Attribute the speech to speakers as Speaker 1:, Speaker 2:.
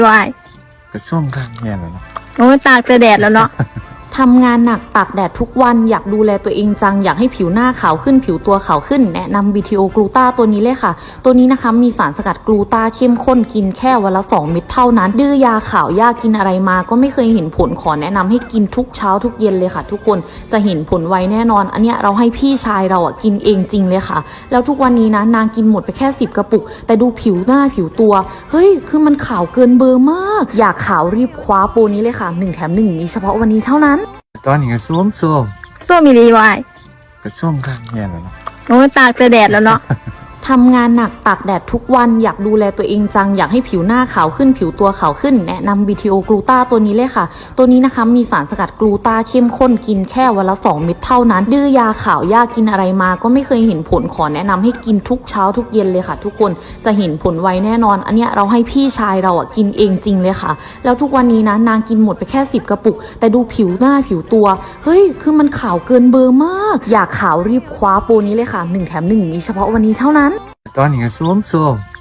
Speaker 1: วาย
Speaker 2: ก็ช่วงกลางแย่เลยเนาะ
Speaker 1: โอ้ยตากแต่แดดแล้วเนาะ
Speaker 3: ทำงานหนักตากแดดทุกวันอยากดูแลตัวเองจังอยากให้ผิวหน้าขาวขึ้นผิวตัวขาวขึ้นแนะนำ BTO กลูตาตัวนี้เลยค่ะตัวนี้นะคะมีสารสกัดกลูตาเข้มข้นกินแค่วันละ2 เม็ดเท่านั้นดื้อยาขาวยากินอะไรมาก็ไม่เคยเห็นผลขอแนะนำให้กินทุกเช้าทุกเย็นเลยค่ะทุกคนจะเห็นผลไวแน่นอนอันเนี้ยเราให้พี่ชายเราอ่ะกินเองจริงเลยค่ะแล้วทุกวันนี้นะนางกินหมดไปแค่10 กระปุกแต่ดูผิวหน้าผิวตัวเฮ้ยคือมันขาวเกินเบอร์มากอยากขาวรีบคว้าโปรนี้เลยค่ะ1 แถม 1มีเฉพาะวันนี้เท่านั้น
Speaker 2: ตอนนี้ก็ช่วง
Speaker 1: ส้มอีรีวาย
Speaker 2: ก็ช่วงกลางแย่เลยเนาะ
Speaker 1: โอ้ยตากแต่แดดแล้วเนาะ
Speaker 3: ทำงานหนักตากแดดทุกวันอยากดูแลตัวเองจังอยากให้ผิวหน้าขาวขึ้นผิวตัวขาวขึ้นแนะนำ BTO กลูตาตัวนี้เลยค่ะตัวนี้นะคะมีสารสกัดกลูตาเข้มข้นกินแค่วันละ2 เม็ดเท่านั้นดื้อยาขาวยากินอะไรมาก็ไม่เคยเห็นผลขอแนะนำให้กินทุกเช้าทุกเย็นเลยค่ะทุกคนจะเห็นผลไวแน่นอนอันเนี้ยเราให้พี่ชายเราอ่ะกินเองจริงเลยค่ะแล้วทุกวันนี้นะนางกินหมดไปแค่10 กระปุกแต่ดูผิวหน้าผิวตัวเฮ้ยคือมันขาวเกินเบอร์มากอยากขาวรีบคว้าโปรนี้เลยค่ะ1 แถม 1มีเฉพาะวันนี้เท่านั้น
Speaker 2: ตอนนี้ก็ช่วง